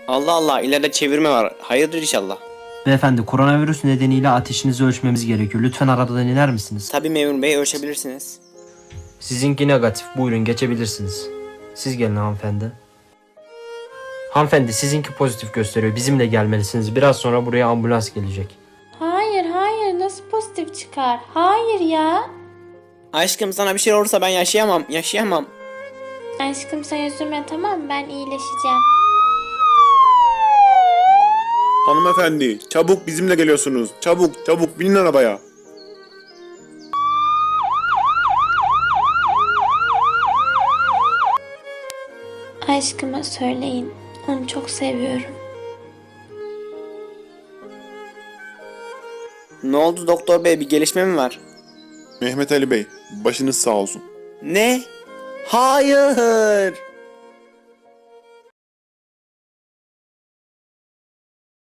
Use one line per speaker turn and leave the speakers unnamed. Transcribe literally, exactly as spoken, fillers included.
Allah Allah, ileride çevirme var. Hayırdır inşallah.
Beyefendi, koronavirüs nedeniyle ateşinizi ölçmemiz gerekiyor. Lütfen arabadan iner misiniz?
Tabii memur bey, ölçebilirsiniz.
Sizinki negatif. Buyurun, geçebilirsiniz. Siz gelin hanımefendi. Hanımefendi, sizinki pozitif gösteriyor. Bizimle gelmelisiniz. Biraz sonra buraya ambulans gelecek.
Hayır hayır, nasıl pozitif çıkar? Hayır ya.
Aşkım, sana bir şey olursa ben yaşayamam. Yaşayamam.
Aşkım sen üzülme, tamam mı? Ben iyileşeceğim.
Hanımefendi, çabuk bizimle geliyorsunuz. Çabuk, çabuk binin arabaya.
Aşkıma söyleyin. Onu çok seviyorum.
Ne oldu doktor bey, bir gelişme mi var?
Mehmet Ali Bey, başınız sağ olsun.
Ne? Hayır.